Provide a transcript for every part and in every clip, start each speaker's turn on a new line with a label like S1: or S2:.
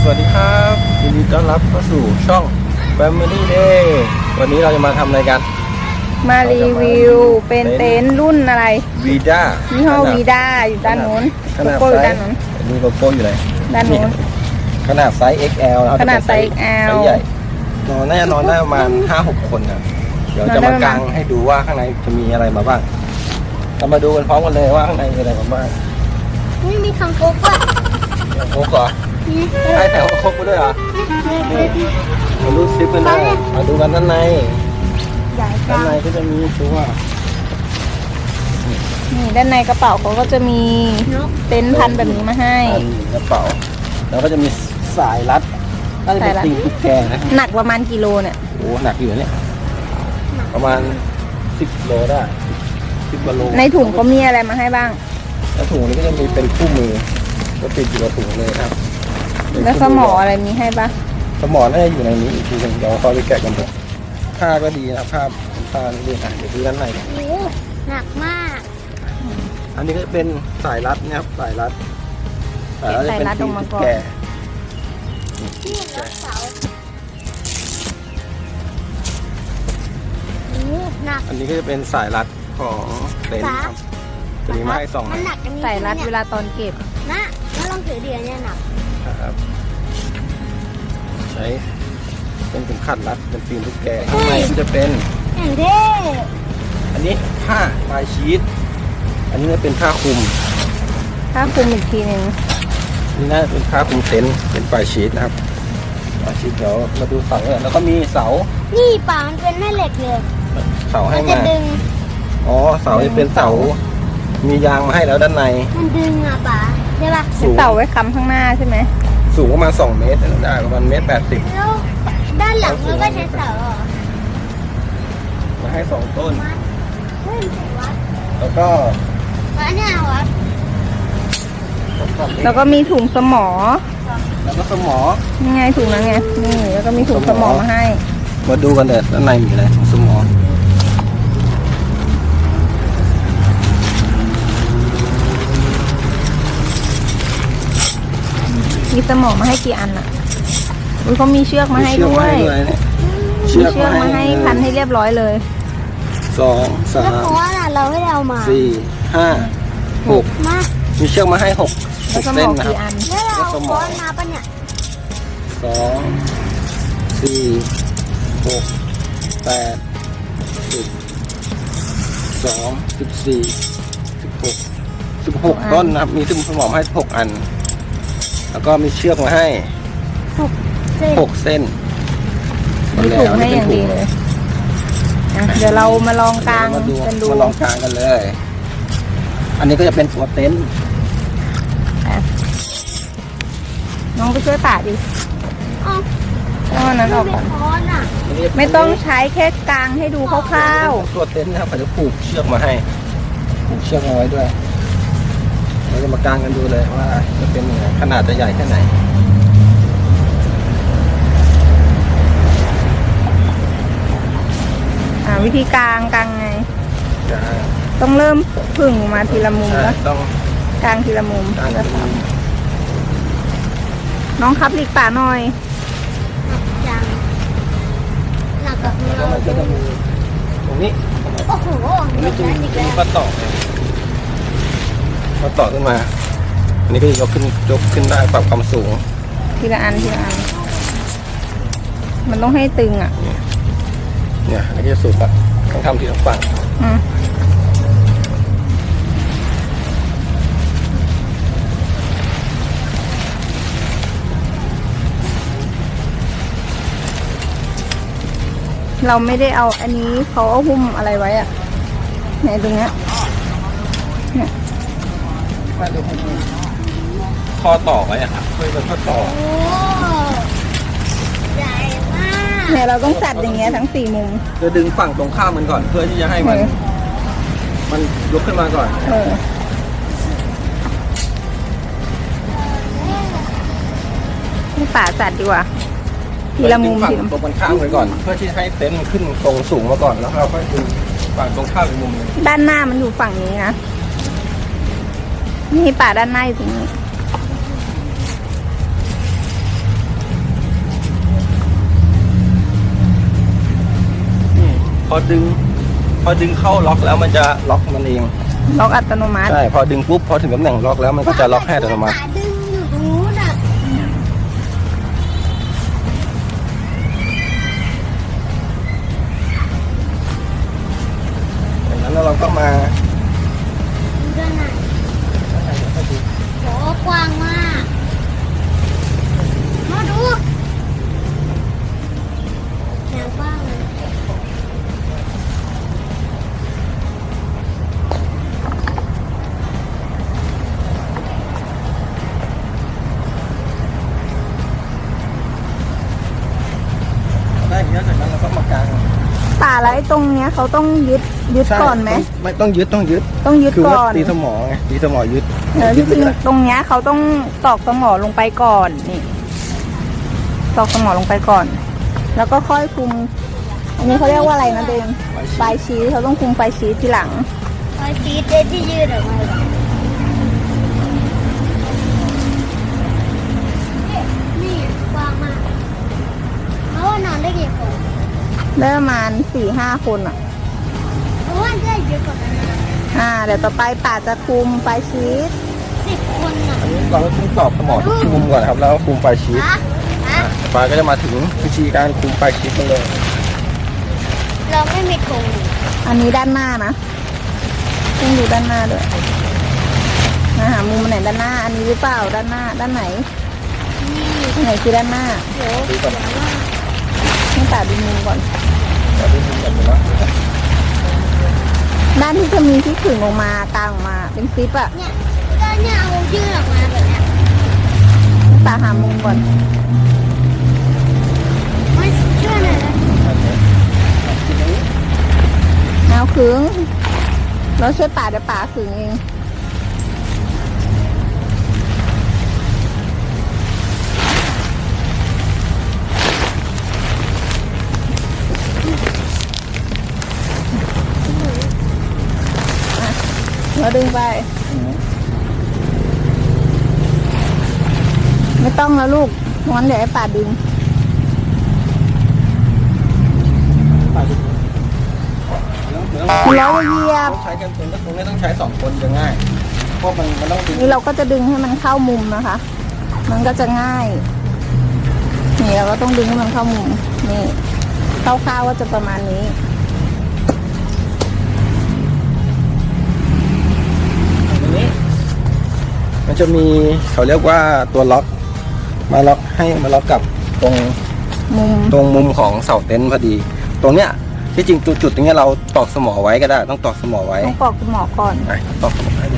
S1: วัสดีครับยินดีต้อนรับเข้าสู่ช่อง Family Day วันนี้เราจะมาทำอะไรกัน
S2: มารีวิวเป็นเต็นท์รุ่นอะไร
S1: วีด้า
S2: ยี่ห้อวีด้าอยู่ด้านนู้นโลโก้อยู่ด้านนู้น
S1: ดูโลโก้อยู่ไหน
S2: ด้านนู้น
S1: ขนาดไซส์ XL นะครับ
S2: ขนาดไซส์ XL
S1: ใหญ่น่าจะนอนได้ประมาณ 5-6 คนนะเดี๋ยวจะมากางให้ดูว่าข้างในจะมีอะไรมาบ้างเรามาดูกันพร้อมกันเลยว่าข้างในมีอะไรมาบ้าง
S3: นี่มีคังคกอ่ะ
S1: คังคกเหรอใช่แต่คังคกมาด้วยเหรอมาดูซิปกันเลยมาดูกันด้านในด้านในก็จะมีตัว
S2: นี่ด้านในกระเป๋าเขาก็จะมีเต็นท์พันแบบนี้มาให้
S1: กระเป๋าแล้วก็จะมีสายรัดน่าจะเป็นติ่งตุ๊กแกนะ
S2: หนักประมาณกิโลเนี่ย
S1: โอ้หนักอยู่เนี่ยประมาณ10 โลได้10 กว่าโล
S2: ในถุงเขามีอะไรมาให้บ้าง
S1: แล้วถุงนี้ก็จะมีเป็นคู่มือก็ติดอยู่กับถุงเลยครับ
S2: แล้วสมออะไรมีให้บ้าง
S1: สมอน่าจะอยู่ในนี้อีกทีนึงเดี๋ยวเขาไปแกะกันหมดผ้าก็ดีนะผ้านี่ค่ะเดี๋ยวดูด้านใน
S3: หนักมาก
S1: อันนี้ก็เป็นสายรัดนะครับสายรัดจะเป็นติ่งตุ๊กแกอันนี้ก็จะเป็นสายรัดของเต็นท์ครับจะมีไม้2
S2: สายรัดเวลาตอนเก็บ
S3: นะแล้วลองถือเดียวเนี่ยหนัก
S1: ครับใช้เป็นเข็มขัดรัดเป็นฟิล์มตุ๊กแกข้างในก็จะเป็น
S3: อย่างเท่
S1: อันนี้ผ้าปลายชีสอันนี้เป็นผ้าคลุม
S2: อีกทีหนึ่ง
S1: นี่น่าเป็นผ้าคลุมเต็นท์เป็นปลายชีสนะครับปลายชีสเดี๋ยวมาดูเสาแล้วก็มีเสา
S3: นี่ป่ามันเป็นแม่เหล็กเลย
S1: เสาให้มาอ๋อเสาจะเป็นเสามียางมาให้แล้วด้านใน
S3: มันดึงอ่ะป่าใช่ป่ะ
S2: เสาไว้ค้ำข้างหน้าใช่ไหม
S1: สูงประมาณ2 เมตรได้ประมาณ1.80 เมตร
S3: แล้วด้านหลังมันก็ใช้เสา
S1: มาให้2 ต้นแล้วก็
S3: อันนี้วัด
S2: แล้วก็มีถุงสมอ
S1: แล้วก็สมอ
S2: นี่ไงถุงนั้นไงนี่แล้วก็มีถุงสมอมาให้
S1: มาดูกันเลยด้านในมีอะไรถุงสมอ
S2: มีสมอมาให้กี่อันอ่ะเขามีเชือกมาให้ด้วย
S1: เชือก
S2: มาให้พันให้เรียบร้อยเลย
S1: 2 3
S3: แล้วเพราะว่าเราไม่ได้เอามา
S1: 4 5 6
S3: มา
S1: มีเชือกมาให้6เส้นนะครับ
S3: แล้วเราเอาค้อนมาปะเนี่ย
S1: 2 4 6 8 10 12 14 16ต้นนะครับมีสมอให้6 อันแล้วก็มีเชือกมาให้6 เส้น
S2: มีถุงให้อย่างดีเลยเดี๋ยวเรามาลองกางกันดู
S1: มาลองกางกันเลยอันนี้ก็จะเป็นตัวเต็นท์
S2: น้องไปช่วยป่าดิก็นั้นออกก่อนไม่ต้องใช้แค่กางให้ดูคร่าว
S1: ๆตัวเต็นท์นะครับเขาจะผูกเชือกมาให้ผูกเชือกเอาไว้ด้วยเราจะมากางกันดูเลยว่าจะเป็นยังไงขนาดจะใหญ่แค่ไหน
S2: วิธีกางไงต้องเริ่มผึ่งมาทีละมุมแล้ว
S1: ต้อง
S2: กางทีละมุมน้องครับหลีกป่าหน่อย
S3: จังหนักกับเรา
S1: ตรงนี้
S3: โอ้โห
S1: นี่จะมีปลาต่อขึ้นมาอันนี้ก็ยกขึ้นได้ปรับความสูง
S2: ทีละอันมันต้องให้ตึงอ่ะ
S1: เนี่ยอันนี้จะสุดละต้องทำทีละฝั่ง
S2: เราไม่ได้เอาอันนี้เขาเอาหุ้มอะไรไว้อะไหนตรงเนี้ยเนี่ย
S1: ข้อต่อไว้อะครับเพื่อเป็นข้อต่อ
S3: ใหญ่มาก
S2: เนี่ยเราต้องจัดอย่างเงี้ยทั้ง4 มุม
S1: จะดึงฝั่งตรงข้ามมันก่อนเพื่อที่จะให้มันยกขึ้นมาก่อน
S2: ให้ป่าจัดดีกว่าทีละมุม
S1: ฝั่งตรงข้ามไปก่อนเพื่อที่ให้เต็นท์มันขึ้นตรงสูงมาก่อนแล้วเราค่อยดึงฝั่งตรงข้ามอีกมุมนึง
S2: ด้านหน้ามันอยู่ฝั่งนี้นะนี่ป่าด้านหน้าอยู่ตรงนี้
S1: อดึงเข้าล็อกแล้วมันจะล็อกมันเอง
S2: ล็อกอัตโนมัติ
S1: ใช่พอดึงปุ๊บพอถึงตำแหน่งล็อกแล้วมันก็จะล็อกให้อัตโนมัติ
S3: ขาดึงอยู่ตรงนู้นอ่ะ
S1: จากนั้นเราก็มา
S3: ดูด้านในโหกว้างมากมาดูแนวกว้างเลย
S1: ได้อย่างนี้จากนั้นเราก็มากาง
S2: ป่าแล้วไอ้ตรงเนี้ยเขาต้องยึดก่อนไหม
S1: ไม่ต้องยึด
S2: ต้องยึด
S1: คือ
S2: ก่
S1: ว่า
S2: อน
S1: ตีสมอไงตีสมอยึด
S2: จริงๆตรงเนี้ยเขาต้องตอกสมอลงไปก่อนนี่ตอกสมอลงไปก่อน แล้วก็ค่อยคุม อันนี้เขาเรียกว่าอะไรนะเดมไฟชี้เขาต้องคุมไฟชี้ทีหลัง
S3: ไอ้ฟีดที่ยืดออกมาเลยนี่กว้างมากเพราะว่านอนได้กี่คน
S2: ได้ประมาณ 4-5 คนอ่ะ
S3: เพราะว่าได้เยอะกว่านั้นนะ
S2: เดี๋ยวต่อไปป่าจะคุมไฟชี้
S3: 10 คนอ่ะ
S1: อันนี้เราก็ต้องตอบสมอทุกมุมก่อนครับแล้วก็คุมไฟชีส
S3: ฮะ
S1: ปลาก็จะมาถึงวิธีการคุมไฟชีสกันเลย
S3: เราไม่มีธง
S2: อันนี้ด้านหน้านะต้องดูด้านหน้าด้วยหามุมไหนด้านหน้า อันนี้หรือเปล่าด้านหน้า ด้านไหนอันไหนคือด้านหน้า
S3: โห
S1: ดูก่อน
S2: ให้ป่าดูมุมก่อน
S1: เราดูมุมกันเลยว่า
S2: ด้านที่จะมีที่ขึงออกมากลางออกมาเป็นซิปอะ
S3: เนี่ยก็เนี่ยเอายืดออกมาแบบเนี้ย
S2: ป่าหามุมก่อน
S3: ไม่ช่วยหน่อยนะ
S2: เอาขึงเราช่วยป่าเดี๋ยวป่าขึงเอง เราดึงไป ไม่ต้องแล้วลูกงั้นเดี๋ยวให้ป่าดึง เราเหยียบ
S1: ต้องใช้กันคนก็คงไม่ต้องใช้2 คนจะง่ายเพราะมันต้องดึง
S2: นี่เราก็จะดึงให้มันเข้ามุมนะคะ มันก็จะง่าย นี่เราก็ต้องดึงให้มันเข้ามุม นี่คร่าวๆว่าจะประมาณนี้
S1: ตรงนี้ มันจะมีเขาเรียกว่าตัวล็อกมาล็อกให้มาล็อกกับตรง
S2: มุม
S1: ของเสาเต็นท์พอดี ตรงเนี้ยที่จริงจุดตรงเนี้ยเราตอกสมอไว้ก็ได้ต้องตอกสมอไว้
S2: ต้องกรอกหมอก่อน
S1: ไปตอกสมอให้ดู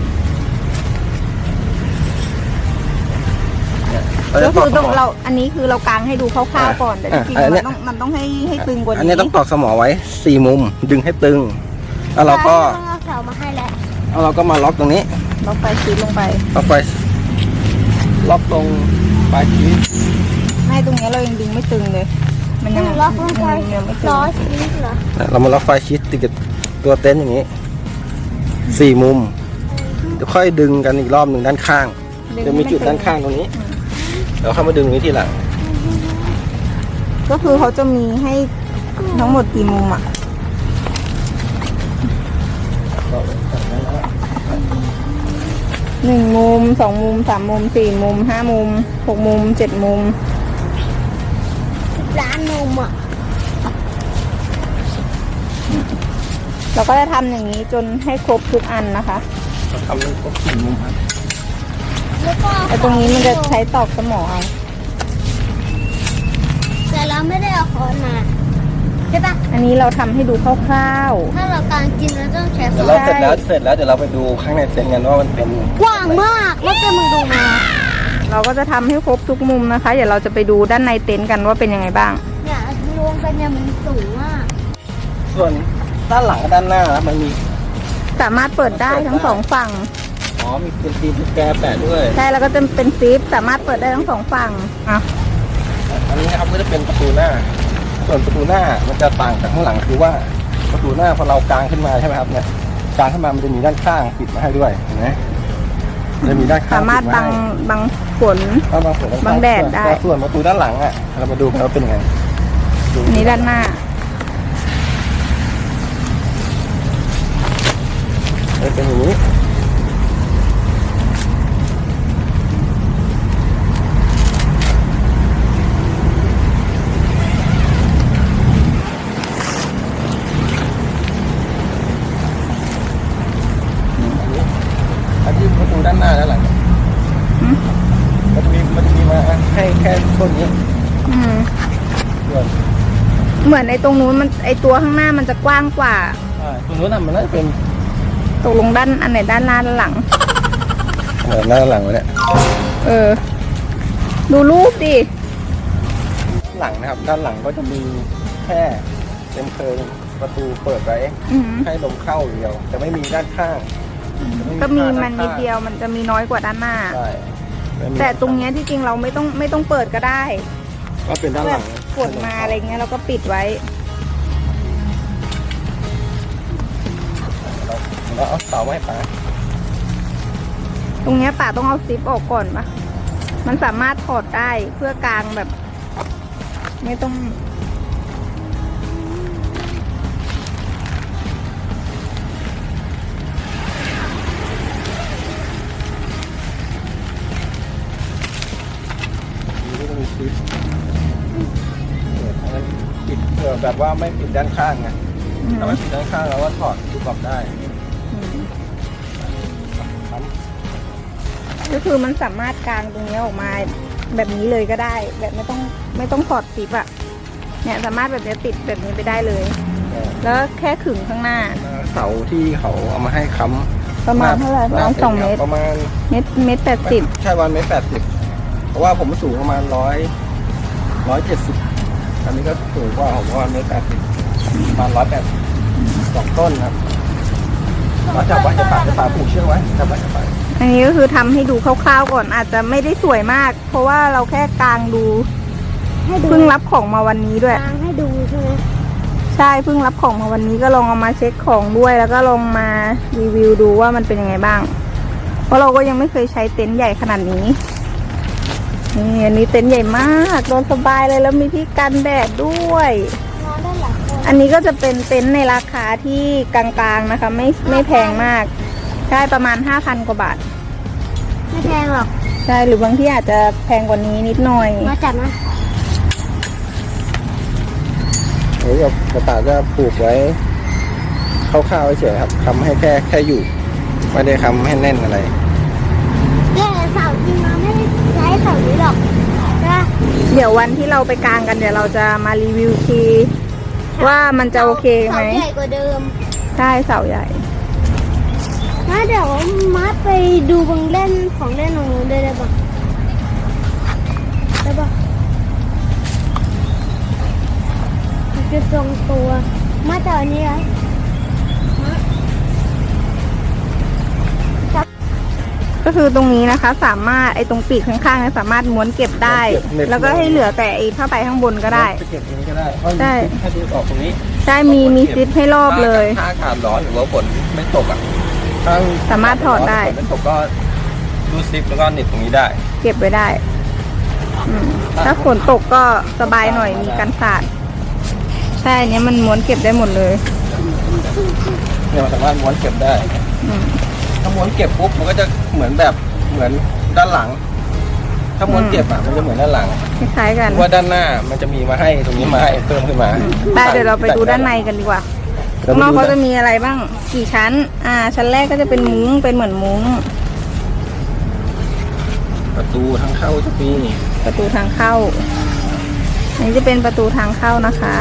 S1: เนี่ยเรา
S2: ก็
S1: จะต
S2: คือ อก
S1: ส
S2: ต้อง
S1: มอ
S2: เราอันนี้คือเรากางให้ดูคร่าวๆก่อน แต่จริง
S1: อัน
S2: ๆ
S1: เนี้
S2: มันต้องให้ตึงกว่า
S1: อัน
S2: นี้
S1: นี้ต้องตอกสมอไว้4 มุมดึงให้ตึงแล้วเราก็
S3: ต้องเอาเสามาให้แล้ว
S1: เราก็มาล็อกตรงนี้
S2: ล็อกไฟชีสลงไป
S1: ล็อกไปล็อกตรงปลายชีส
S2: ไม่ตรงนี้เรายังดึงไม่ตึงเลย มันยัง
S3: ล็อกลงไป
S2: ยังไม่ตึง
S3: ล้อชีสเหรอ
S1: เรามาล็อกไฟชีสติดกับตัวเต็นท์อย่างนี้4 มุมเดี๋ยวค่อยดึงกันอีกรอบหนึ่งด้านข้างจะมีจุดด้านข้างตรงนี้เดี๋ยวเข้ามาดึงตรงนี้ทีหลัง
S2: ก็คือเขาจะมีให้ทั้งหมดกี่มุมอ่ะ 1 มุม 2 มุม 3 มุม 4 มุม 5 มุม 6 มุม 7 มุม
S3: ร้านนมอ่ะ
S2: เราก็จะทำอย่างนี้จนให้ครบทุกอันนะคะ
S1: ทำให้ครบ4 มุมครับ
S3: แล้วก็
S2: แต่ตรงนี้มันจะใช้ตอกสมอเอา
S3: แต่เราไม่ได้เอาค้อนมาใช่ปะ
S2: อันนี้เราทำให้ดูคร่าว
S3: ถ้าเรากางจริงเราต้องใช้
S1: เดี๋ยว
S3: ค้
S1: เรา
S3: อน
S1: เสร็จแล้วเดี๋ยวเราไปดูข้างในเต็นท์กันว่ามันเป็น
S3: กว้างมากแล้วก็มึงดูมา
S2: ๆ เราก็จะทำให้ครบทุกมุมนะคะ เดี๋ยวเราจะไปดูด้านในเต็นท์กันว่าเป็นยังไงบ้าง
S3: เนี่ยลงไปเนี่ยมันสูงมาก
S1: ส่วนด้านหลังกับด้านหน้านะมันมี
S2: สามารถเปิดได้ทั้งสองฝั่ง
S1: อ๋อมีเป็นตีนแกแปะด้วย
S2: ใช่แล้วก็จะเป็นซิปสามารถเปิดได้ทั้งสองฝั่งอ่ะ
S1: อันนี้นะครับก็จะเป็นประตูหน้า ส่วนประตูหน้ามันจะต่างจากข้างหลังคือว่าประตูหน้าพอเรากางขึ้นมาใช่ไหมครับเนี่ยกางขึ้นมามันจะมีด้านข้างปิดมาให้ด้วยเห็นไหมจะมีด้านข้าง
S2: สามารถ
S1: ปิด
S2: บังฝน
S1: ให้บางส่วน
S2: บังแดดได้
S1: แต่ส่วนประตูด้านหลังอ่ะเรามาดูกันว่าเป็นยังไงดู
S2: อันนี้ด้านหน้า
S1: เป็นอย่างนี้อันนี้ประตูด้านหน้าด้านหลัง
S2: อืม
S1: มันจะมีมาให้แค่ต้นนี้
S2: อืม
S1: ส่วน
S2: เหมือนไอ้ตรงนู้นมันไอ้ตัวข้างหน้ามันจะกว้างกว่า
S1: ตรงนู้นน่ะมันน่าจะเป็น
S2: ตกลงด้านอันไหนด้านหน้าด้านหลัง
S1: ด้านหลังวะเนี่ย
S2: เออ ดูรูปดิ
S1: หลังนะครับ ด้านหลังก็จะมีแค่เป็นเพลิงประตูเปิดไว้
S2: อืม
S1: ให้ลมเข้าอย่างเดียวจะไม่มีด้านข้างจะ
S2: ก็มี
S1: ผ้า
S2: มัน
S1: ด้า
S2: นิด
S1: ข้าง
S2: เดียวมันจะมีน้อยกว่าด้านหน้า
S1: ใช่ไม่มี
S2: แต่ตรงเนี้ยที่จริงเราไม่ต้องเปิดก็ได้
S1: ก็เป็นด้านห
S2: แบ
S1: ลั
S2: บ
S1: ง
S2: ฝนมาอะไรเงี้ยเราก็ปิดไว้
S1: เราเอาเสาไม้ป่า
S2: ตรงเนี้ยป่าต้องเอาซิปออกก่อนปะมันสามารถถอดได้เพื่อกางแบบ ไม่ต้อง
S1: นี่ก็จะมีซิปอะไรปิดเผื่อแบบว่าไม่ปิดด้านข้างไง
S2: อืม
S1: ถ้าไม่ปิดด้านข้างเราก็ถอดซิปออกได้
S2: อืม
S1: ครับ
S2: ก็คือมันสามารถกางตรงเนี้ยออกมาแบบนี้เลยก็ได้ แบบไม่ต้องถอดซิปอะเนี่ยสามารถแบบเนี้ยติดแบบนี้ไปได้เลย แล้วแค่ขึงข้างหน้า
S1: เสาที่เขาเอามาให้ค้ำ
S2: ประมาณเท่าไหร่ประมาณ2 เมตร
S1: ประมาณ
S2: เมตร80
S1: ใช่วัน1.80 เพราะว่าผมสูงประมาณ170 อันนี้ก็สูงกว่าผมว่า1.80 ประมาณ180 2 ต้นครับเราจับไว้จะป่าผูกเชือกไว้จับไว้จะป่า
S2: อันนี้ก็คือทำให้ดูคร่าวๆก่อนอาจจะไม่ได้สวยมาก เพราะว่าเราแค่กางดู
S3: ให้ดู
S2: เพิ่งรับของมาวันนี้ด้วย
S3: กลางให้ดูใช่ไหม
S2: ใช่เพิ่งรับของมาวันนี้ก็ลองเอามาเช็คของด้วย แล้วก็ลองมารีวิวดูว่ามันเป็นยังไงบ้าง เพราะเราก็ยังไม่เคยใช้เต็นท์ใหญ่ขนาดนี้นี่อันนี้เต็นท์ใหญ่มากนอนสบายเลยแล้วมีที่กันแดดด้วย
S3: นอนได้หลายคน
S2: อันนี้ก็จะเป็นเต็นท์ในราคาที่กลางๆนะคะ ไม่แพงมากใช่ประมาณ 5,000 กว่าบาท
S3: ไม่แพงหรอก
S2: ใช่หรือบางที่อาจจะแพงกว่านี้นิดหน่อย
S3: มาจัดนะ
S1: หรือกับป่าจะผูกไว้คร่าวๆเฉยๆครับค้ำให้แค่อยู่ไม่ได้ค้ำให้แน่นอะไร
S3: แต่เสาจริงเราไม่ได้ใช้เสานี้หรอกใช่ปะ
S2: เดี๋ยววันที่เราไปกางกันเดี๋ยวเราจะมารีวิวทีว่ามันจะโอเคไหม
S3: เสาใหญ่กว่าเดิม
S2: ใช่เสาใหญ่
S3: มาเดี๋ยวมาไปดูบังเล่นของเล่นของหนูได้ปะได้ปะมันจะทรงตัวมาจากอันนี้เหรอ
S2: ก็คือตรงนี้นะคะ สามารถไอ้ตรงปีกข้างๆเนี่ยสามารถม้วนเก็บได้ แล้วก็ให้เหลือแต่ไอ้ผ้าใบข้างบนก็ได้
S1: จะเก็บตรงนี้ก็ได้เพราะ
S2: ใช่
S1: มีซิปให้ดูออกตรงนี้
S2: ใช่มีซิปให้รอบเลย
S1: ถ้าอากาศร้อนหรือว่าฝนไม่ตกอ่ะถ้า
S2: สามารถถอดได้
S1: ฝนไม่ตกก็รูดซิปแล้วก็หนีบตรงนี้ได้
S2: เก็บไว้ได้อืมถ้าฝนตกก็สบายหน่อยมีกันสาดใช่อันเนี้ยมันม้วนเก็บได้หมดเลย
S1: เนี่ยมันสามารถม้วนเก็บได้
S2: อืม
S1: ถ้าม้วนเก็บปุ๊บมันก็จะเหมือนด้านหลัง ถ้าม้วนเก็บอ่ะมันจะเหมือนด้านหลัง
S2: คล้ายๆกัน
S1: เพราะว่าด้านหน้ามันจะมีมาให้ตรงนี้มาให้เพิ่มขึ้นมา
S2: ไปเดี๋ยวเราไปดูด้านในกันดีกว่าข้างนอกเขาจะมีอะไรบ้างกี่ชั้น ชั้นแรกก็จะเป็นมุ้งเป็นเหมือนมุ้ง
S1: ประตูทางเข้าจะมี
S2: ประตูทางเข้าอันนี้จะเป็นประตูทางเข้านะคะ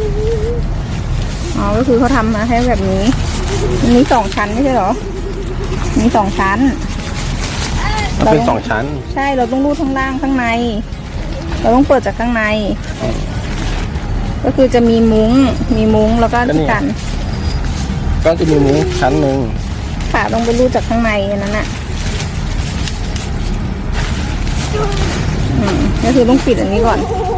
S2: อ๋อก็คือเขาทำมาให้แบบนี้มันมี2 ชั้นไม่ใช่เหรอมี2 ชั้น
S1: มันเป็น2 ชั้น
S2: ใช่เราต้องรูดข้างล่างข้างใน เราต้องเปิดจากข้างใน ก็คือจะมีมุ้งแล้วก็ที่กัน
S1: ก็จะมีมุ้งชั้นหนึ่ง
S2: ขาต้องไปรูดจากข้างในอันนั้นน่ะก็คือต้องปิดอันนี้ก่อน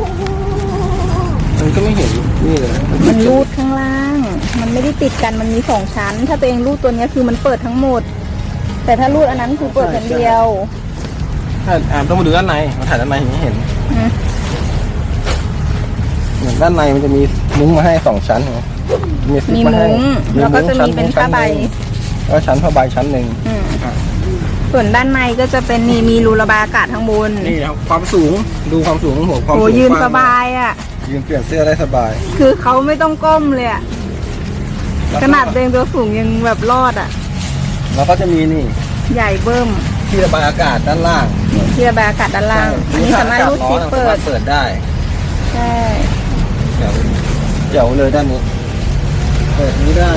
S1: มันก็ไม่เห็นนี่เลย
S2: มันรูดข้างล่าง มันไม่ได้ติดกันมันมี2 ชั้น ถ้าตัวเองรูดตัวเนี้ยคือมันเปิดทั้งหมด แต่ถ้ารูดอันนั้นคือเปิดชั้นเดียว
S1: ถ้าต้องมาดูด้านในมาถ่ายด้านในอย่างนี้เห็น
S2: อืม
S1: เหมือนด้านในมันจะมีมุ้งมาให้2 ชั้นไงซิป
S2: มี
S1: าให้
S2: มุ้งแล้วก็จะมีเป็นผ้าใบ
S1: มแล้วชั้นผ้าใบชั้นหนึ่ง
S2: ส่วนด้านในก็จะเป็นนี่มีรูระบายอากาศข้างบน
S1: นี่ครับความสูงดูความสูงของหัวความ
S2: โอ้
S1: สูง
S2: ยืน
S1: กว้ง
S2: สบายอ่ะ
S1: ยืนเปลี่ยนเสื้อได้สบาย
S2: คือเขาไม่ต้องก้มเลยอ่ะ
S1: แล้ว
S2: ข
S1: ก็
S2: นาดเดินตัวสูงยังแบบรอดอ่ะ
S1: แล้วก็จะมีนี่
S2: ใหญ่เบิ่ม
S1: ที่ระบายอากาศด้านล่าง
S2: นี่ที่ระบายอากาศด้านล่าง อันนี้สามารถรูดซิปเปิด
S1: เปิดได้
S2: ใช่
S1: เจ๋วเลยด้านนี้เปิดนี้ได้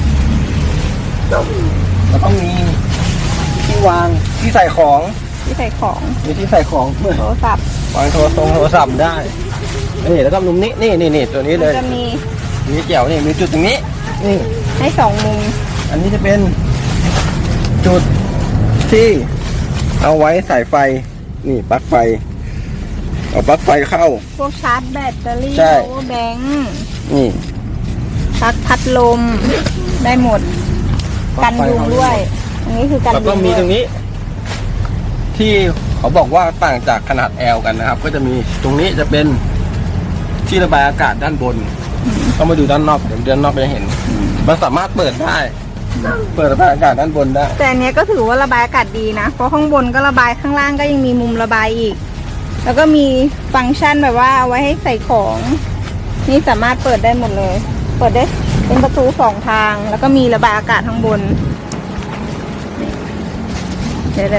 S1: แล้วก็มีที่วางที่ใส่ของ
S2: ที่ใส่ของ
S1: มีที่ใส่ของเพื่อ
S2: โทรศัพท์
S1: วางโทรศัพท์ได้นี่แล้วก็มุมนี้นี่ตัวนี้เลย
S2: จะมี
S1: มีเจ๋วนี่มีจุดตรงนี้นี่
S2: ให้สองมุม
S1: อันนี้จะเป็นจุดที่เอาไว้สายไฟนี่ปลั๊กไฟเอาปลั๊กไฟเข้า
S2: พวกชาร์จแบตเตอรี่
S1: ใช่
S2: power bank
S1: นี่
S2: ปลั๊กพัดลมได้หมด กันยุงด้วย อันนี้คือกัน
S1: แล้ว
S2: ยุ
S1: ก็
S2: ง
S1: มี
S2: ด้ว
S1: ตร
S2: ย
S1: งนี้ ที่เขาบอกว่าต่างจากขนาด L กันนะครับ ก็จะมีตรงนี้จะเป็นที่ระบายอากาศด้านบนต้องมาดูด้านนอกเดี๋ยวด้านนอกจะเห็น มันสามารถเปิดได้ เปิดระบายอากาศด้านบนได้
S2: แต่อันเนี้ยก็ถือว่าระบายอากาศดีนะ เพราะข้างบนก็ระบายข้างล่างก็ยังมีมุมระบายอีก แล้วก็มีฟังก์ชันแบบว่าเอาไว้ให้ใส่ของ นี่สามารถเปิดได้หมดเลย เปิดได้เป็นประตู2 ทาง แล้วก็มีระบายอากาศข้างบนนี่เดี๋ยว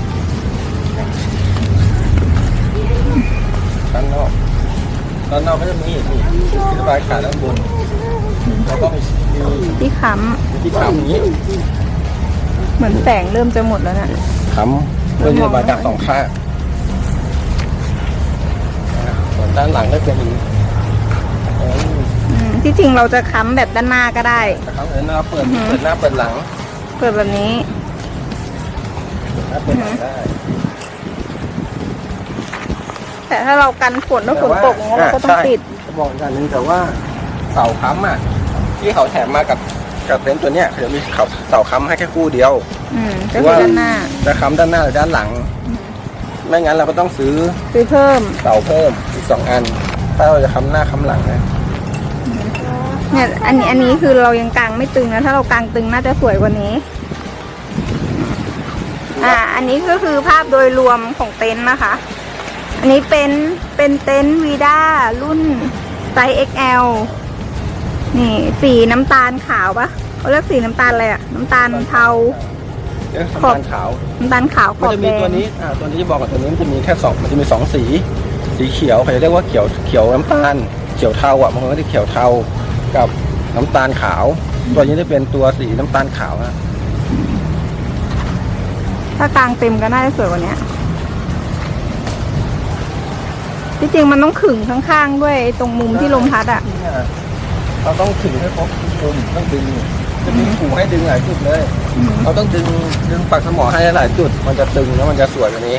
S1: ด้านนอกก็จะมีนี่ที่ระบายอากาศด้านบนแล้วก็มี
S2: ที่ค้
S1: ที่ค้ำอย่างนี้
S2: ำเหมือนแสงเริ่มจะหมดแล้วนะ
S1: ค้ำเพื่อที่ระบายอากาศสองข้างส่วนด้านหลังก็เป็นอย่างนี้
S2: ที่จริงเราจะค้ำแบบด้านหน้าก็ได้
S1: นะครับเปิดหน้าเปิดหน้าเปิดหลัง
S2: เปิดแบบนี้
S1: เปิดหน้าเปิดหลังได้
S2: แต่ถ้าเรากันฝนถ้าฝนตกอย่างเงี้ยเราก็ต้องปิด
S1: จะบอกอีกอย่างหนึงแต่ว่าเสาค้ำอ่ะที่เขาแถมมากับเต็นท์ตัวเนี้ยเขาจะมีเสาค้ำให้แค่คู่เดียว
S2: ก็คือด้านหน้า
S1: จะค้ำด้านหน้าหรือด้านหลัง ไม่งั้นเราก็ต้องซื้อ
S2: ซื้อเพิ่ม
S1: เสาเพิ่มอีก2 อัน ถ้าเราจะค้ำหน้าค้ำหลังนะ
S2: เนี่ยอันนี้คือเรายังกางไม่ตึงนะ ถ้าเรากางตึงน่าจะสวยกว่านี้ อันนี้ก็คือภาพโดยรวมของเต็นท์นะคะ อันนี้เป็นเต็นท์วีด้ารุ่นไซส์ XL นี่สีน้ำตาลขาวปะเขาเรียกสีน้ำตาลอะไรอะน้ำตาลเทา
S1: เอ๊ะน้ำตาลขาว
S2: น้ำตาลขาวข
S1: มัน
S2: อบ
S1: จะ
S2: แด
S1: มี
S2: ง
S1: ตัวนี้ตัวนี้จะบอกกับตัวนี้มันจะมีแค่มันจะมี2 สีเขียวเขาจะเรียกว่าเขียวน้ำตาลเขียวเทาบางคนก็จะเขียวเทากับน้ำตาลขาว ตัวนี้จะเป็นตัวสีน้ำตาลขาวนะ
S2: ถ้ากางเต็มก็น่าจะสวยกว่านี้ที่จริงมันต้องขึงข้างๆด้วยตรงมุมที่ลมพัดอ่ะ
S1: เราต้องถึงให้ครบทุกมุมต้องดึงจะมีหูให้ดึงหลายจุดเลยเราต้องดึงปักสมอให้หลายจุด มันจะตึงแล้วมันจะสวยกว่านี้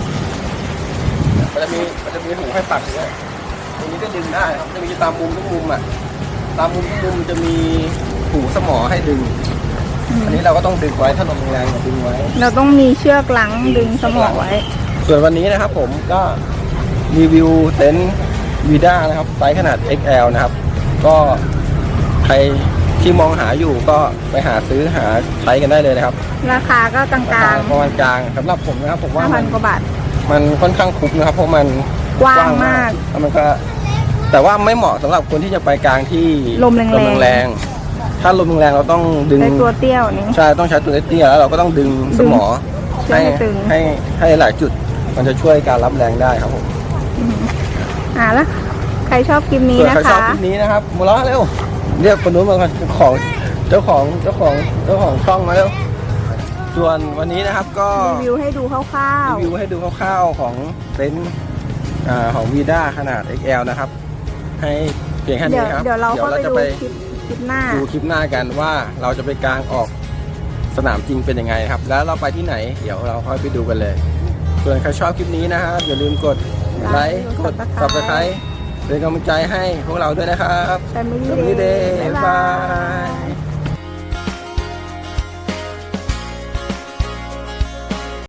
S1: มันจะมีหูให้ปักด้วยตรงนี้ก็ดึงได้ครับจะมีตามมุมทุกมุมอ่ะตามมุมทุกมุมจะมีหูสมอให้ดึง อันนี้เราก็ต้องดึงไว้ถ้าลมแรงก็ดึงไว้
S2: เราต้องมีเชือกหลังดึงสมอไว้
S1: ส่วนวันนี้นะครับผมก็รีวิวเต็นท์วีด้านะครับไซส์ขนาด XL นะครับ ก็ใครที่มองหาอยู่ก็ไปหาซื้อหาใช้กันได้เลยนะครับ
S2: ราคาก็กลาง
S1: ประมาณกลางสำหรับผมนะครับผม
S2: ๆ
S1: ว่ามัน
S2: 5,000 กว่าบาท
S1: มันค่อนข้างคุ้มนะครับ เพราะมัน
S2: กว้างมาก
S1: แล้วมันก็แต่ว่าไม่เหมาะสำหรับคนที่จะไปกลางที่
S2: ลมแรงๆ
S1: แรงๆถ้าลมแรงๆเราต้องดึง
S2: ใช้ตัวเตี้ยวนี้
S1: ใช่ต้องใช้ตัวเตี้ยแล้วเราก็ต้องดึงสมอ
S2: ดึงให้ตึง
S1: ให้หลายจุด มันจะช่วยการรับแรงได้ครับผม
S2: แล้วใครชอบคลิปนี้
S1: ส่วน
S2: นะ
S1: ใครชอบ
S2: คะ
S1: คลิปนี้นะครับมาล้อเร็วเรียกคนนู้นมาก่อนเจ้าของช่องมาเร็วส่วนวันนี้นะครับก็
S2: รีวิวให้ดูคร่าว
S1: รีวิวให้ดูคร่าวๆของเต็นท์ของวีด้าขนาด XL นะครับ ให้เพียงแค่
S2: ๆ
S1: นี้ครับ
S2: เดี๋ยวเราเข้าไป
S1: จะ
S2: ดู
S1: ไป
S2: คลิปหน้า
S1: ดูคลิปหน้ากันว่าเราจะไปกางออกสนามจริงเป็นยังไงครับ แล้วเราไปที่ไหนเดี๋ยวเราค่อยไปดูกันเลย ส่วนใครชอบคลิปนี้นะครับอย่าลืมกดไลค์กด Subscribe เป็นกำลังใจให้พวกเราด้วยนะครับ
S2: Family
S1: Family
S2: Day
S1: Day
S2: บ๊ายบาย
S1: บาย